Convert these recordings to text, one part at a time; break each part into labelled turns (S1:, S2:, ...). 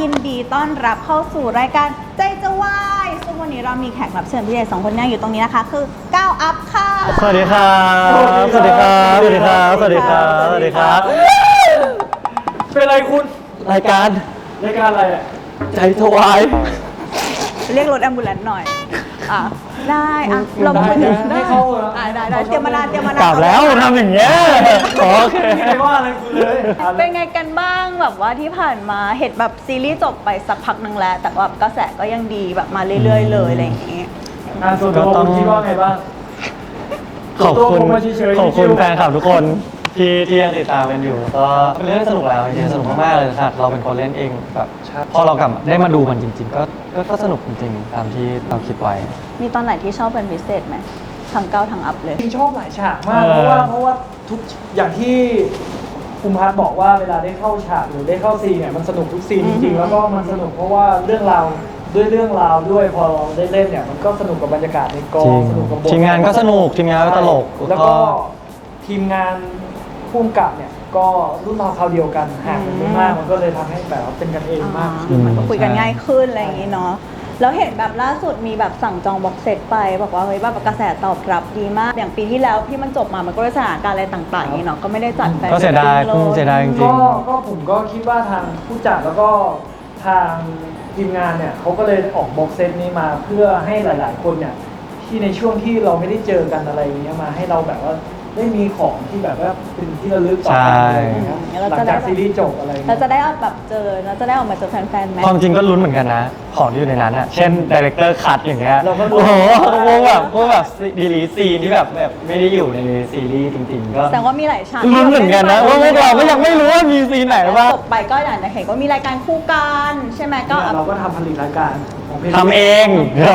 S1: ยินดีต้อนรับเข้าสู่รายการใจจะวายซึ่งวันนี้เรามีแขกรับเชิญพิเศษ2 คนนั่งอยู่ตรงนี้นะคะคือก้าวอัพค่ะ
S2: สวัสดีครับสวัสดีครับสวัสดีครับสวัสดีครับสวัสดีครับ
S3: เป็นอะไรคุณ
S2: รายการ
S3: อะไรอ่ะ
S2: ใจถวาย
S1: เรียกรถแอมบูเลนซ์หน่อยได้เรา
S3: ได้เข้า
S1: ได้เตรียมมานาน
S2: กลับแล้วทำอย่างเงี้ยโอเค
S3: ไม่ได้ว่าอะไรคุณเลย
S1: เป็นไงกันบ้างแบบว่าที่ผ่านมาเห็นแบบซีรีส์จบไปสักพักนึงแล้วแต่ว่ากระแสก็ยังดีแบบมาเรื่อยๆเลยอะไรอย่างงี้
S3: ส่วนตัวคุณคิดว่าไงบ้าง
S2: ขอบคุณแฟนคลับทุกคนที่ยังติดตามกันอยู่ก็เป็นเรื่องสนุกแล้วจริงๆสนุกมากๆเลยครับเราเป็นคนเล่นเองแบบพอเรากลับได้มาดูมันจริงๆก็สนุกจริงๆตามที่เราคิดไว้
S1: มีตอนไหนที่ชอบเป็นพิเศษไหมทั้งก้าวทั้งอัพเลย
S3: จริงชอบหลายฉากมากเพราะว่าทุกอย่างที่ภูมิพัฒน์บอกว่าเวลาได้เข้าฉากหรือได้เข้าซีนเนี่ยมันสนุกทุกซีนจริงๆแล้วก็มันสนุกเพราะว่าเรื่องราวด้วยพอเราได้เล่นเนี่ยมันก็สนุกกับบรรยากาศในกองสนุกกับบท
S2: ทีมงานก็สนุกทีมงานก็ตลก
S3: แล้วก็ทีมงานผู้กำกับเนี่ยก็รุ่นราวคราวเดียวกันห่างกันไม่มากมันก็เลยทำให้แบบเป็นกันเองมาก
S1: มันก็คุยกันง่ายขึ้นอะไรอย่างนี้เนาะแล้วเห็นแบบล่าสุดมีแบบสั่งจองบ็อกเซตไปบอกว่าเฮ้ยแบบกระแสตอบรับดีมากอย่างปีที่แล้วที่มันจบมามันก็ด้วยสถานการณ์อะไรต่างๆนี่เนาะก็ไม่ได้จัดแฟน
S2: ก็เสียดายจริง
S3: ก็ผมก็คิดว่าทางผู้จัดแล้วก็ทางทีมงานเนี่ยเขาก็เลยออกบ็อกเซตนี้มาเพื่อให้หลายๆคนเนี่ยที่ในช่วงที่เราไม่ได้เจอกันอะไรอย่างเงี้ยมาให้เราแบบว่าได้มีของที่แบบว่าเป็นที่ระลึกต่อไปหลังจากซีรีส์จบอะไร
S1: เราจะได้แบบเจอเราจะได้ออกมาเจอแฟนๆไหม
S2: ความจริงก็ลุ้นเหมือนกันนะของที่อยู่ในนั้นอ่ะเช่นดีเรคเตอร์คัทอย่างเงี้ยโอ้โหพวกแบบดีลีซีนที่แบบไม่ได้อยู่ในซีรีส์จริงๆก็
S1: แต่ว่ามีหลายฉาก
S2: ลุ้นเหมือนกันนะว่าพวกเราก็ยังไม่รู้ว่ามีซีนไหนบ้าง
S1: จบไปก็อย่างเห็นก็มีรายการคู่กันใช่ไหมก็
S3: เราก็ทำผลิตรายการ
S2: ทำเองก็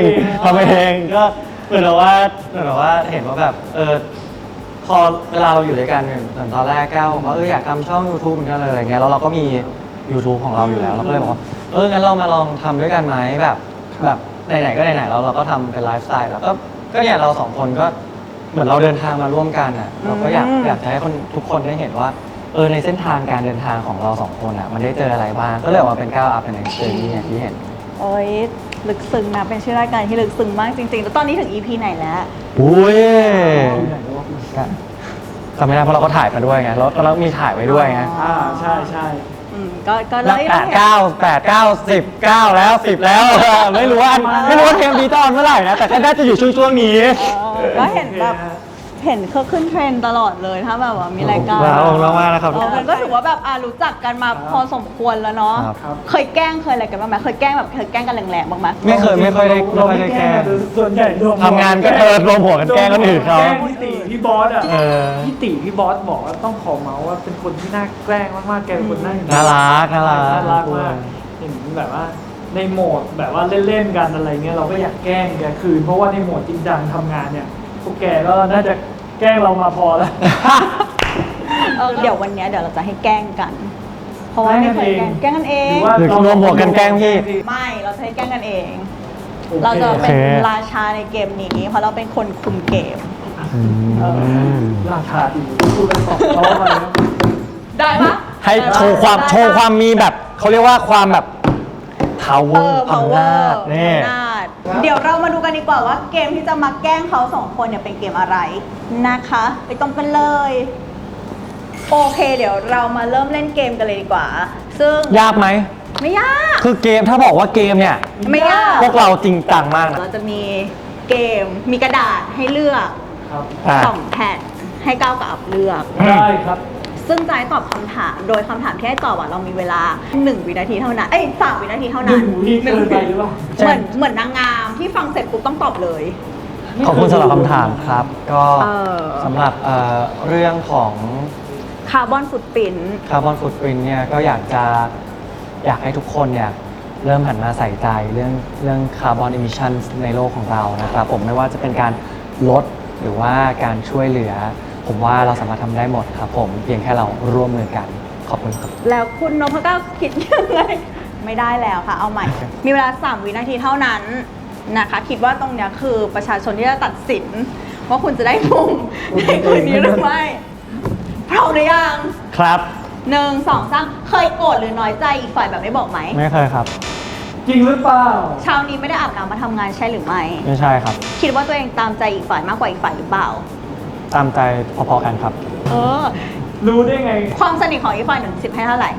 S2: เหมือนว่าเห็นว่าแบบพอเวลาเราอยู่ด้วยกันเหมือนตอนแรกแก้วว่าอยากทำช่อง YouTube เหมือนกันเลยอะไรเงี้ยแล้วเราก็มี YouTube ของเราอยู่แล้วเราก็เลยบอกว่างั้นเรามาลองทำด้วยกันไหมแบบไหนๆก็ไหนๆแล้วเราก็ทำเป็นไลฟ์สไตล์แล้วก็เนี่ยเรา2 คนก็เหมือนเราเดินทางมาร่วมกันอ่ะเราก็อยากให้ทุกคนได้เห็นว่าในเส้นทางการเดินทางของเรา2 คนอ่ะมันได้เจออะไรบ้างก็เลยออกมาเป็นก้าวอัพเป็นเจอร์นี่ที่เห็น
S1: โอ้ยลึกซึ้งนะเป็นชื่อรายการที่ลึกซึ้งมากจริงๆแล้วตอนนี้ถึง EP ไหนแล้ว
S2: อุ้ยจำไม่ได้เพราะเราก็ถ่ายมาด้วยไงแล้วมีถ่ายไว้ด้วยไง
S3: ใช่
S1: ก็เลย
S2: 8 9 10 9แล้ว10แล้วไม่รู้ว่าเทมดีตอนเมื่อไหร่นะแต่ก็น่าจะอยู่ช่วงนี้
S1: ก็เห็นแบบเห็นเขาขึ้นเทรนตลอดเลยถ้าแบบว่ามีรายการ
S2: ว้าวมากนะครับ
S1: ก็ถือว่าแบบรู้จักกันมาพอสมควรแล้วเนาะเคยแกล้งเคยอะไรกันบ้างไหมเคยแกล้งกันแรงๆบ้างไหม
S2: ไม่ค่อยได้แกล้ง
S3: ส่วนใหญ่
S2: ทำงานก็รวมหัวกันแกล้งคนอื่นเขา
S3: แกล้งพี่บอสอ่ะพี่บอสบอกว่าต้องขอเมาส์ว่าเป็นคนที่น่าแกล้งมากๆแกเป็นคนน่า
S2: รัก
S3: มากเห็นแบบว่าในโหมดแบบว่าเล่นๆกันอะไรเงี้ยเราก็อยากแกล้งแกคืนเพราะว่าในโหมดจริงจังทำงานเนี่ยพวกแกก็น่าจะแกล้งเรามาพอแล้ว
S1: เดี๋ยววันนี้เดี๋ยวเราจะให้แกล้งกันเพราะว่าไม่เคยแกล้งกันเอง
S2: หรือรวมหัวกันแกล้งพี่
S1: ไม่เราจะให้แกล้งกันเองเราจะเป็นราชาในเกมนี้เพราะเราเป็นคนคุมเกม
S3: ราชาดีพูดกันสองรอบมาแล้ว
S1: ได้ปะ
S2: ให้โชว์ความมีแบบเขาเรียกว่าความแบบ power อำนาจนี่
S1: เดี๋ยวเรามาดูกันดีกว่าว่าเกมที่จะมาแกล้งเขา2 คนเนี่ยเป็นเกมอะไรนะคะไปตรงกันเลยโอเคเดี๋ยวเรามาเริ่มเล่นเกมกันเลยดีกว่าซึ่ง
S2: ยากไหม
S1: ไม่ยาก
S2: คือเกมถ้าบอกว่าเกมเนี่ย
S1: ไม่ยาก
S2: พวกเราจริงจังมากนะ
S1: เราจะมีเกมมีกระดาษให้เลือก2 แผ่นให้ก้าวกับอัพเลือก
S3: ได้ครับ
S1: ซึ่งจะให้ตอบคำถามโดยคำถามที่ให้ตอบเรามีเวลา1 วินาทีเท่านั้น3 วินาทีเท่านั้น
S3: 1 วินาทีหรือเปล่า
S1: เหมือนนางงามที่ฟังเสร็จปุ๊บต้องตอบเลย
S2: ขอบคุณสำหรับคำถามครับก็สำหรับเรื่องของ
S1: คาร์บอนฟุตปรินท์
S2: เนี่ยก็อยากให้ทุกคนเนี่ยเริ่มหันมาใส่ใจเรื่องคาร์บอนอิมิชันในโลกของเรานะครับผมไม่ว่าจะเป็นการลดหรือว่าการช่วยเหลือผมว่าเราสามารถทำได้หมดครับผมเพียงแค่เราร่วมมือกันขอบคุณครับ
S1: แล้วคุณนพเก้าคิดยังไงไม่ได้แล้วค่ะเอาใหม่มีเวลา3 วินาทีเท่านั้นนะคะคิดว่าตรงเนี้ยคือประชาชนที่จะตัดสินว่าคุณจะได้มงในคืนนี้หรือไม่พร้อมหรือยัง
S2: ครับ
S1: 1 2 3เคยโกรธหรือน้อยใจอีกฝ่ายแบบไม่บอกไหม
S2: ไม่เคยครับ
S3: จริงหรือเปล่า
S1: เช้านี้ไม่ได้อาบน้ำมาทำงานใช่หรือไม่
S2: ไม่ใช่ครับ
S1: คิดว่าตัวเองตามใจอีกฝ่ายมากกว่าอีกฝ่ายหรือเปล่า
S2: ตามใจพอๆกันครับ
S1: เออ
S3: รู้ได้ไง
S1: ความสนิทของอีกฝ่าย1 10ให้เท่าไหร่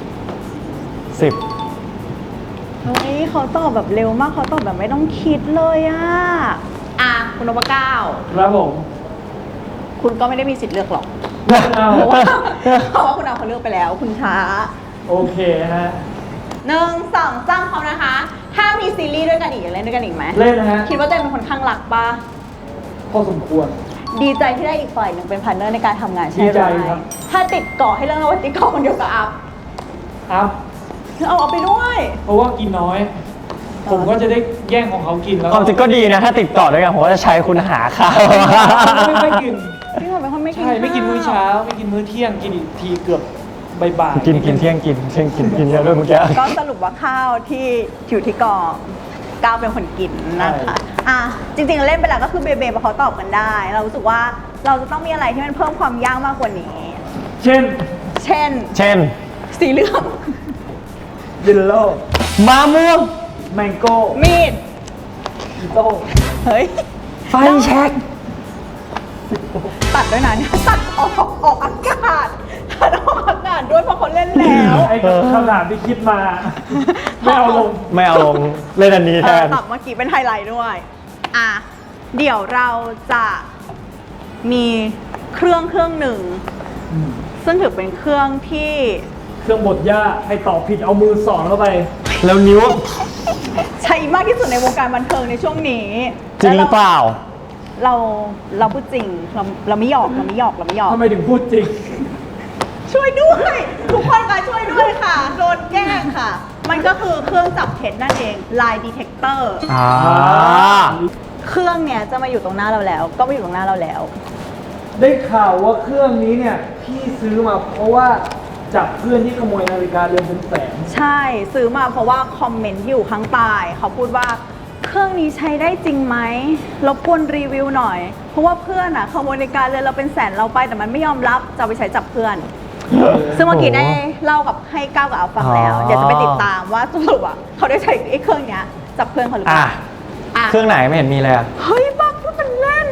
S2: 10
S1: เฮ้ยเขาตอบแบบเร็วมากเขาตอบแบบไม่ต้องคิดเลยอ่ะคุณนพเก้า
S3: ครับผม
S1: คุณก็ไม่ได้มีสิทธิ์เลือกหรอก
S3: เอา
S1: เพราะว่าคุณเอาเขาเลือกไปแล้ว คุณช้า
S3: โอเคฮะ
S1: 1 2 3เขานะคะ ถ้ามีซีรีส์ด้วยกันอีกอยากเล่นด้วยกันอีกไหม
S3: เล่นนะฮะ
S1: คิดว่าตัวเองเป็นคนข้างรักปะ
S3: พอสมควร
S1: ดีใจที่ได้อีกฝ่ายหนึ่งเป็นพาร์ทเนอร์ในการทำงานใช่
S3: ดี
S1: ไห
S3: ใจ
S1: ม
S3: ครับ
S1: ถ้าติดเกาะให้เรื่องว่าติดเกาะคนเดียวกับอัพ
S3: อัพ
S1: เอาไปด้วย
S3: เพราะว่ากินน้อย ผมก็จะได้แย่งของเขากินแล้ว
S2: ความจริงก็ดีนะ ถ้าติดต่อด้วยกันผมก็จะใช้คุณหาข้าว
S3: ไม่ค่อยกิน
S1: พี่หอมเป็นคนไม่กิน
S3: ใช่ ไม่กิน
S1: ข้าว
S3: มื้อเช้า ไม่กินมื้อเที่ยง กินอีกทีเกือบบ่ายๆ
S2: กินเที่ยงกินเยอะด้วยเมื่อกี้
S1: ก็สรุปว่าข้าวที่อยู่ที่กองก้าวเป็นคนกินนะคะ อ่ะจริงๆเล่นไปแล้วก็คือเบเบเพราะเขาตอบกันได้ เรารู้สึกว่าเราจะต้องมีอะไรที่มันเพิ่มความยากมากกว่านี้
S3: เช่น
S1: เช่น
S2: เช่น
S1: สีเหลือง
S3: ยินโล
S2: มะม่วง
S3: แมงโก้
S1: มีด
S3: อีโต้
S1: เฮ้ย
S2: ไฟแช็ก
S1: ตัดด้วยนะเนี่ยตัดออกอากาศตัดออกอากาศด้วยเพราะเขาเล่นแล้ว
S3: ไอ้คำถามที่คิดมา ไม่เอาลง
S2: ไม่เอาลงเล่นอันนี้แทน
S1: ตับเมื่อกี้เป็นไฮไลท์ด้วย อ่ะ เดี๋ยวเราจะมีเครื่องหนึ่ง ซึ่งถือเป็นเครื่องที่
S3: เครื่องบดหญ้าให้ตอบผิดเอามือสอนเข้าไป
S2: แล้วนิ้ว
S1: ใช้มากที่สุดในวงการบันเทิงในช่วงนี้
S2: จริงหรือเปล่า
S1: เราพูดจริง เราไม่หยอกเราไม่หยอกเราไม่หยอก
S3: ทำไมถึงพูดจริง
S1: ช่วยด้วย ทุกคนค่ะช่วยด้วยค่ะ โดนแกล้งค่ะ มันก็คือเครื่องจับเท็จนั่นเอง lie detector
S2: อ่า
S1: เครื่องเนี้ยจะมาอยู่ตรงหน้าเราแล้ว ก็มาอยู่ตรงหน้าเราแล้ว
S3: ได้ข่าวว่าเครื่องนี้เนี่ยพี่ซื้อมาเพราะว่าจับเพื่อนที่ขโมยนาฬิกาเรือนเป็นแสน
S1: ใช่ซื้อมาเพราะว่าคอมเมนต์ที่อยู่ข้างใต้เขาพูดว่าเครื่องนี้ใช้ได้จริงไหมรบกวนรีวิวหน่อย เพราะว่าเพื่อนขโมยนาฬิกาเรือนเราเป็นแสนเราไปแต่มันไม่ยอมรับจะเอาไปใช้จับเพื่อน ซึ่งเมื่อกี้ได้เล่ากับให้ก้าวกับเอาฟังแล้ว
S2: อ๋อ
S1: เดี๋ยวจะไปติดตามว่าสรุปเขาได้ใช้ไอ้เครื่องเนี้ยจับเพื่อนเขาหรือเป
S2: อ่ะ
S1: ล่าอ่ะ
S2: เครื่องไหนไม่เห็นมีเลยอะ
S1: เฮ้ยบ้าพูดเป็นเล่น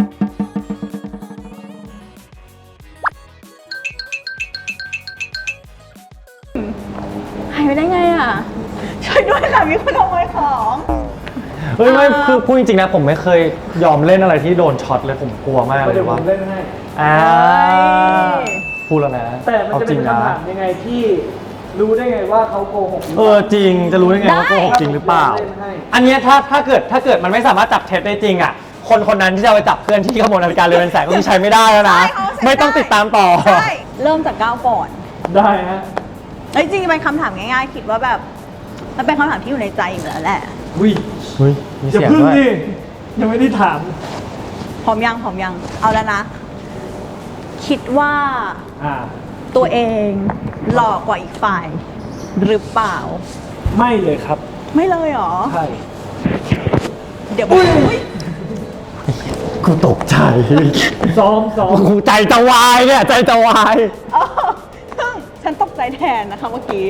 S1: หายไปได้ไงอ่ะ ช่วยด้วยค่ะมีคนขโมยของ
S2: เฮ้ยไม่คือพูดจริงๆนะผมไม่เคยยอมเล่นอะไรที่โดนช็อตเลยผมกลัวมากเล
S3: เดี๋ย
S2: ยว
S3: ผ
S2: ว่า
S3: มเล่นให้
S2: อ่า
S1: เฮ้ย
S2: พูดแล้วนะ
S3: แต่มันจะ
S2: จริ
S3: เป็น
S2: งนะ
S3: คำถามยังไงที่รู้ได้ไงว่าเขาโกหกหรือ
S2: เอ
S3: เป
S2: อ
S3: ล่า
S2: จริงจะรู้ได้ไงว่าโกหกจริงหรือเปล่า
S3: เล่นให้
S2: อันเนี้ยถ้าเกิดมันไม่สามารถจับเท็จได้จริงอ่ะคนนั้นที่จะเอาไปจับเพื่อนที่ขโมยนาฬิกาเรือนเป็นแสนก็คือใช้ไม่ได้แล้วนะ
S1: ใช่เขาใช้
S2: ไม่ต้องติดตามต่อ
S1: ใช่เริ่มจากก้าวก่อน
S3: ได้ฮะ
S1: เอ้ยจริงๆเป็นคำถามง่ายๆ คิดว่าแบบมันเป็นคำถามที่อยู่ในใจอยู่แล้วแหละ
S3: วิ
S2: เฮ้ยมี
S3: อย่า
S2: เสียง
S3: พึ่ง
S2: ด้วย
S3: ดิยังไม่ได้ถาม
S1: พร้อมยังเอาแล้วนะ คิดว่า
S3: อ่า
S1: ตัวเองหล่อกว่าอีกฝ่าย หรือเปล่า
S3: ไม่เลยครับ
S1: ไม่เลยเหรอ
S3: ใช่
S1: เดี๋ยวอุ๊ย
S2: กูตกใจ
S3: ซ้อม
S2: กูใจจะวายเนี่ยใจจะวาย
S1: เออซึ่งฉันตกใจแทนนะคะเมื่อกี้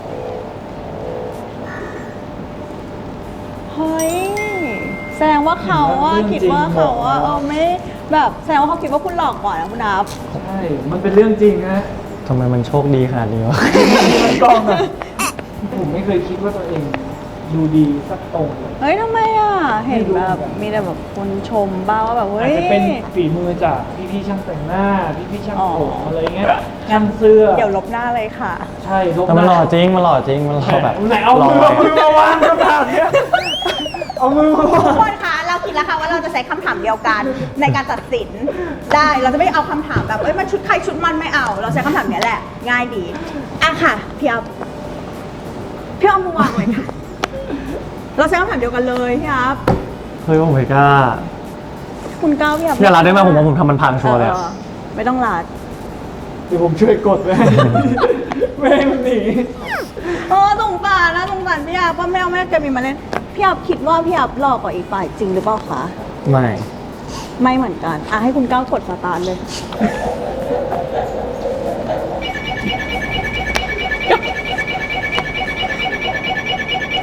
S1: เฮ้ย แสดงว่าเขาอะคิดว่าเขาอะไม่แบบแสดงว่าเขาคิดว่าคุณหลอกก่อนนะคุณนับ
S3: ใช่ มันเป็นเรื่องจริงนะ
S2: ทำไมมันโชคดีขนาดนี้วะ
S3: มันกล้องอะผมไม่เคยคิดว่าตัวเองดูดีสักตรงเลย
S1: เฮ้ยทำไมอ่ะ เห็นแบบมีแต่แบบคนชมบ้างว่าแบบเฮ้
S3: อาจ
S1: ย
S3: จะเป็นฝีมือจากพี่ๆช่างแต่งหน้า พี่ๆช่างผม
S1: อ๋ออ
S3: อะไรเงี้ย ช่างเสื้อ
S1: เดี๋ยวลบหน้าเลยค่ะ
S3: ใช่ลบ
S2: แต่มันหล่อจริงมันหล่อจริงมันหล่อแบบ
S3: ไหนเอามือ
S2: หล่
S3: มาวางคำถามเนี้ยเอามือมา
S1: ทุ
S3: วาก ง
S1: คนคะเราคิดแล้วค่ะว่าเราจะใช้คำถามเดียวกันในการตัดสินได้เราจะไม่เอาคำถามแบบเอ้ยมันชุดใครชุดมันไม่เอา เราใช้คำถามเนี้ยแหละ ง่ายดีอ่ะค่ะพี่อ๊อฟมือวางเลยค่ะ เราใช้คำถามเดียวกันเลยพี่อ๊อฟ
S2: เฮ้ยผมไม่กล้า
S1: คุณก้าวพี่อ๊อฟ
S2: อย่ารัดได้ไหมผมว่าผมทำมันพังชัวร์เลยอะ
S1: ไม่ต้องรัด
S3: เดี๋ยวผมช่วยกดไว้ให้ไม่ให้มันหนี
S1: สงสารนะสงสารพี่อ๊อฟว่าแม่แกมีมาเล่นพี่อ๊อฟคิดว่าพี่อ๊อฟหลอกกว่าอีกฝ่ายจริงหรือเปล่าคะ
S2: ไม่
S1: ไม่เหมือนกันอ่ะให้คุณก้าวกดสตาร์ทเลย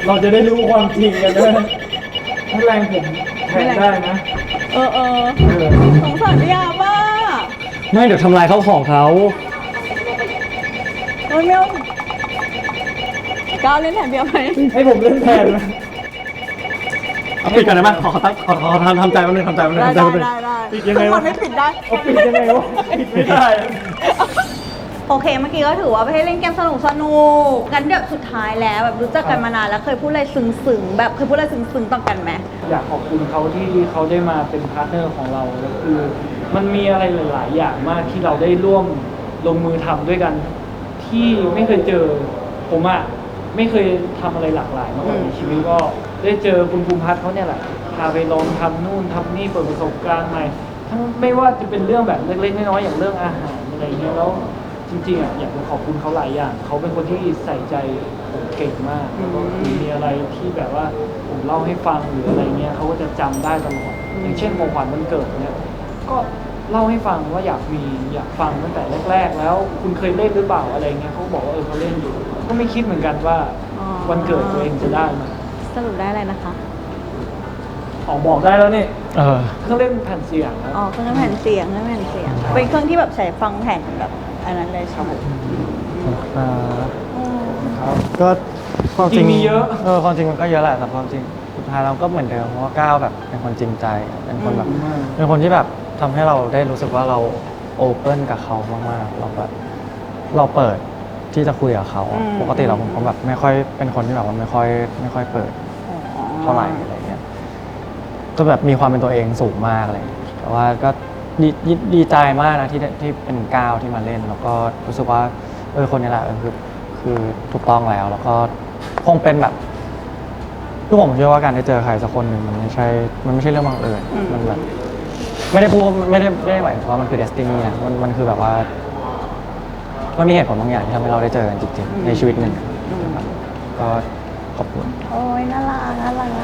S3: เราจะได้รู้ความจริงกันด้วยถ้าแรงผมแทนได้นะ
S1: เออสงสารพี่ยาบ้า
S2: ไม่เดี๋ยวทำลายข้าวของเขา
S1: โอ้ยเมียวก้าวเล่นแทนพี่ยาไหม
S3: ให้ผมเล่นแทนไหม
S2: เอาปิดก่อนได้ไหมขอทำใจแป๊บนึงทำใจแป๊บนึง
S1: ได้
S2: ทำใจแป๊บนึง
S1: ได้
S3: ปิดยังไง
S1: ทุกค
S3: วะ
S1: นไม่ปิดได้
S3: เอาปิดยังไงวะปิดไม่ได้
S1: โอเคเมื่อกี้ก็ถือว่าไปให้เล่นเกมสนุกกันเดี๋ยวสุดท้ายแล้วแบบรู้จักกันมานานแล้วเคยพูดอะไรซึ้งๆแบบเคยพูดอะไรซึ้งๆต่อกันไหม
S3: อยากขอบคุณเขาที่เขาได้มาเป็นพาร์ทเนอร์ของเราแล้วคือมันมีอะไรหลายๆอย่างมากที่เราได้ร่วมลงมือทำด้วยกัน ที่ไม่เคยเจอผมอะไม่เคยทำอะไรหลากหลายมาก่อนในชีวิตก็ได้เจอคุณภูมิพัฒน์เขาเนี่ยแหละพาไปลองทำนู่นทำนี่เปิดประสบการณ์ใหม่ทั้งไม่ว่าจะเป็นเรื่องแบบเล็กๆน้อยๆอย่างเรื่องอาหารอะไรเงี้ยแล้วจริงๆอะอยากจะขอบคุณเขาหลายอย่างเขาเป็นคนที่ใส่ใจผมเก่งมากแล้วก็มีอะไรที่แบบว่าผมเล่าให้ฟังหรืออะไรเงี้ยเขาก็จะจำได้ตลอดอย่างเช่นของขวัญวันเกิดเนี่ยก็เล่าให้ฟังว่าอยากฟังตั้งแต่แรกๆแล้วคุณเคยเล่นหรือเปล่าอะไรเงี้ยเขาบอกว่าเขาเล่นอยู่ก็ไม่คิดเหมือนกันว่าวันเกิดตัวเองจะได้มา
S1: สรุปได้อะไรนะคะ
S3: ออกบอกได้แล้วนี่
S2: เออ
S3: เครื่องเล่นแผ่นเสียงครับ
S1: อ๋อเครื่องแผ่นเสียงเป็นเครื่องที่แบบใช้ฟังแผ่นแบบอันนั้นเลยใช่ไหม อืม
S3: ครับ
S2: ก็ความจริง
S3: จริงมีเยอะ
S2: ความจริงมันก็เยอะแหละแต่ความจริงสุดท้ายเราก็เหมือนเดิมเพราะว่าก้าวแบบเป็นคนจริงใจเป็นคนแบบเป็นคนที่แบบทำให้เราได้รู้สึกว่าเราโอเพ่นกับเขามากๆเราแบบเราเปิดที่จะคุยกับเขาอะปกติเราผมแบบไม่ค่อยเป็นคนที่แบบว่าไม่ค่อยเปิดเท่าไหร่อะไรเงี้ยก็แบบมีความเป็นตัวเองสูงมากเลยแต่ว่าก็ดีใจมากนะที่เป็นก้าวที่มาเล่น แล้วก็รู้สึกว่าคนนี้แหละคือถูกต้องแล้วก็คงเป็นแบบทุกผมเชื่อว่าการได้เจอใครสักคนหนึ่งมันไม่ใช่เรื่องบังเอิญมันแบบไม่ได้พูดไม่ได้หมายถึงว่ามันคือเดสตินีนะมันคือแบบว่ามันมีเหตุผลบางอย่างที่ทำให้เราได้เจอกันจริงๆในชีวิตหนึ่งนะครับก็ขอบคุณ
S1: โอ้ยน่ารัก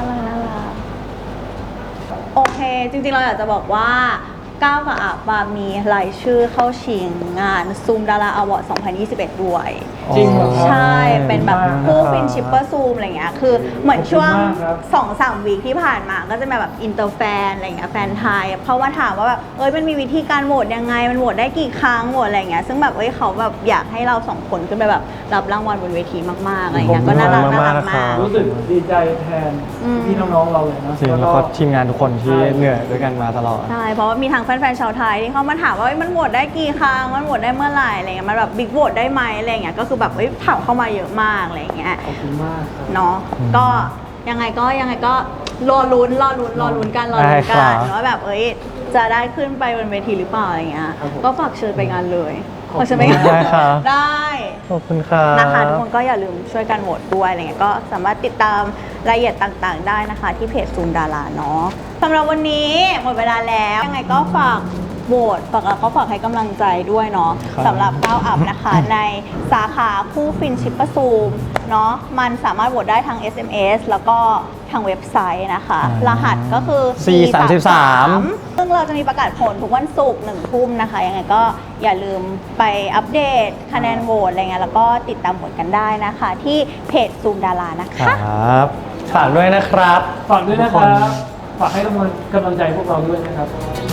S1: โอเค จริงๆเราอยากจะบอกว่าก้าวกับอาบามีรายชื่อเข้าชิงงานซูมดาราอวอร์ด 2021 ด้วย
S3: จริงเหรอครับ
S1: ใช่ เป็นแบบ
S2: ขอบคุณมาก
S1: คู่
S2: นะครับ
S1: ฟินชิปเปอร์ซูมอะไรเงี้ย คือเหมือนช่วง
S3: ขอบคุณมากครับ
S1: 2-3 วีคที่ผ่านมาก็จะแบบอินเตอร์แฟนอะไรเงี้ย แฟนไทยเขามาถามว่าแบบ มันมีวิธีการโหวตยังไง มันโหวตได้กี่ครั้งโหวตอะไรเงี้ย ซึ่งแบบเขาแบบอยากให้เราสองคนขึ้นไปแบบรับรางวัลบนเวทีมากๆอะไรเงี้ย ก็น่ารัก
S2: ขอบคุณมากๆ
S1: มาก
S2: นะครับ
S3: รู้สึกดีใจแทนพี่น้องๆเราเลยนะ
S2: จริงแล้วก็ทีมงานทุกคนที่เหนื่อยด้วยกันมาตลอด
S1: ใช่ เพราะว่ามีทางแฟนๆชาวไทยที่เขามาถามว่ามันโหวตได้กี่ครั้ง มันโหวตได้เมื่อไหร่อะไรเงี้ย มันแบบบิ๊กโหวตได้ไหมอะไรเงี้ย ก็คือแบบถามเข้ามาเยอะมากอะไรเงี้ย
S3: ขอบคุณมากครับ
S1: เนาะ
S2: อืม
S1: ก็ยังไงก็รอลุ้นกัน
S2: ได้ครับ
S1: ว่าแบบจะได้ขึ้นไปบนเวทีหรือเปล่าอะไรเงี้ย
S3: ครับผม
S1: ก็ฝากเชิญไปงานเลย
S3: ขอบคุณ
S1: ฝากเชิญไปงาน
S2: ได้ครับ
S1: ได้
S2: ขอบคุณครับ
S1: นะคะทุกคนก็อย่าลืมช่วยกันโหวตด้วยอะไรเงี้ยก็สามารถติดตามรายละเอียดต่างๆ ได้นะคะ ที่เพจซูมดาราเนาะสำหรับวันนี้หมดเวลาแล้วยังไงก็ฝากโหวตฝากให้กำลังใจด้วยเนาะ
S2: ครับ
S1: สำหรับก้าวอัพนะคะ ในสาขาคู่ฟินชิปเปอร์ซูมเนาะมันสามารถโหวตได้ทาง SMS แล้วก็ทางเว็บไซต์นะคะ รหัสก็คือ
S2: 433
S1: ซึ่งเราจะมีประกาศผลทุกวันศุกร์1 ทุ่มนะคะ ยังไงก็อย่าลืมไปอัปเดตคะแนนโหวตอะไรเงี้ยแล้วก็ติดตามผลกันได้นะคะ ที่เพจซูมดารานะ
S2: ค
S1: คะ
S2: รับฝากด้วยนะครับ
S3: ฝากด้วยนะครับ ฝากให้กำลังใจพวกเราด้วยนะครับ